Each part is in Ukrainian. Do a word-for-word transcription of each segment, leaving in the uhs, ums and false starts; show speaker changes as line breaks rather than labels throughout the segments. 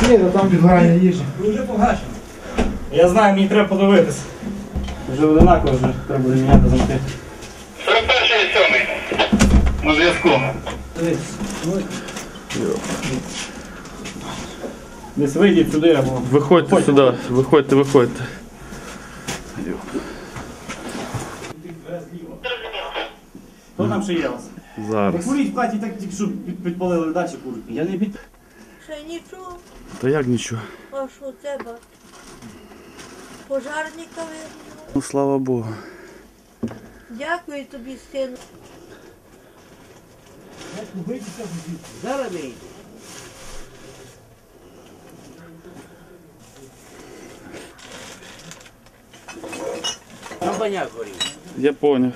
Ні, то там відгорання їжі.
Ви вже погашені. Я знаю, мені треба подивитися. Вже одинаково, вже треба буде міняти замки.
сорок перший і сьомий. На зв'язку.
Десь вийдіть сюди або...
Виходьте сюди, виходьте, виходьте.
Хто там ще є у вас? Не
Зараз.
куріть в хаті, так тільки що під- підпалили далі курить. Я не під...
Ще нічого,
Та як нічого?
а що у тебе? Пожарника видно.
Ну слава Богу.
Дякую тобі, сину.
Зараз вийде. Там баняк горів.
Я поняв.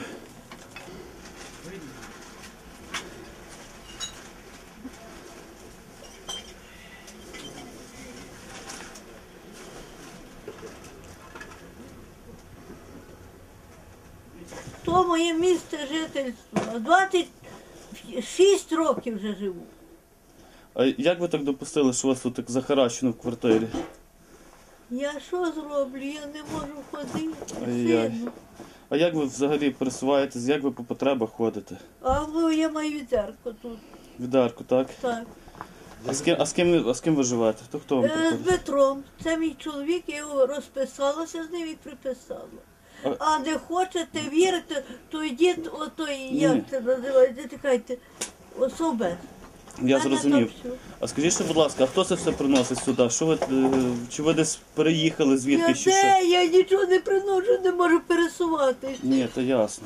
То моє місце жительства. двадцять шість років вже живу.
А як ви так допустили, що у вас тут так захаращено в квартирі?
Я що зроблю? Я не можу ходити,
Ай-яй.
сину.
А як ви взагалі пересуваєтесь, як ви по потребах ходите?
А ну, я маю відерку тут.
Відарку, так?
Так.
А з ким, а з ким, ви- а з ким ви живете? То хто вам
Е, З
приходить?
Петром. Це мій чоловік, я його розписалася з ним і приписала.
А-
А не хочете вірити, то йдіть отой,
Ні.
як це називається, чекайте, особи.
Я зрозумів. А скажіть, ще, будь ласка, а хто це все приносить сюди? Що ви, е, чи ви десь переїхали звідки,
Я
чи що?
де, я нічого не приношу, не можу пересуватися.
Ні, то ясно.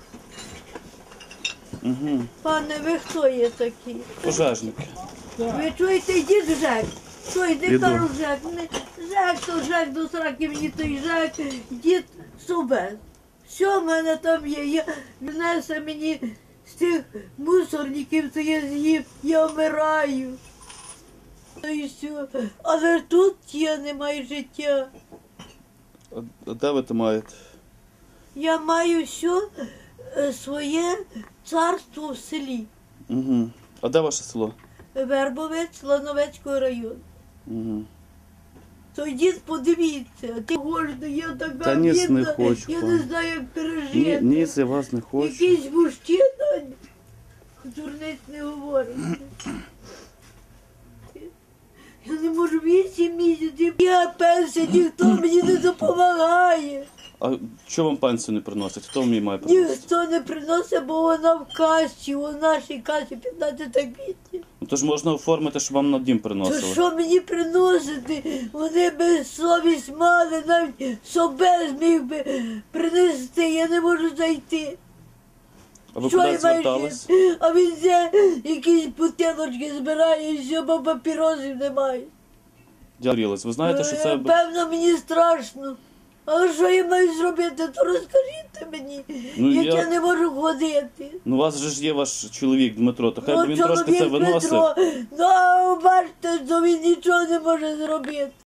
Угу.
Пане, ви хто є такі?
Пожежники.
Ви чуєте, йдіть в ЖЕК. Що, йди,
Іду.
кажу, в ЖЕК. Не, ЖЕК, то ЖЕК, до сраки мені той ЖЕК, дід Собес. Що в мене там є? Я внесе мені з тих мусорників, це я з'їв, я вмираю. Ну і все. Але тут я не маю життя.
А, а де ви то маєте?
Я маю все е, своє царство в селі.
Угу. А де ваше село?
Вербовець Лановецького району.
Угу.
То йдіть подивіться, ти гожда, я така
Та ніс не
бідна,
хочу,
я
пане.
не знаю, як
Ні,
пережити.
ні, я вас не хочу.
Якийсь мужчина, дурниць не говорить. Я не можу вісім місяців, я пенсія, ніхто мені не допомагає.
А чого вам пенсію не приносять? Хто мені має приносити?
Ніхто не приносить, бо вона в касі, у нашій касі п'ятнадцяте квітня.
Ну, то ж можна оформити, щоб вам на дім
То
приносили.
що мені приносити? Вони би совість мали, навіть собе зміг би принести, я не можу зайти.
А ви
Що
куди
я маю
звертались?
ще? А він все якісь бутилочки збирає, і все, бо папірозів немає.
Дярілись. Ви знаєте, що це...
Е, Певно, мені страшно. Але що я маю зробити, то розкажіть мені,
Ну,
як
я-
я... не можу ходити.
Ну, у вас же ж є ваш чоловік Дмитро, то хай би
Ну,
він трошки це
чоловік
виносив.
Петро, ну, бачите, що він нічого не може зробити.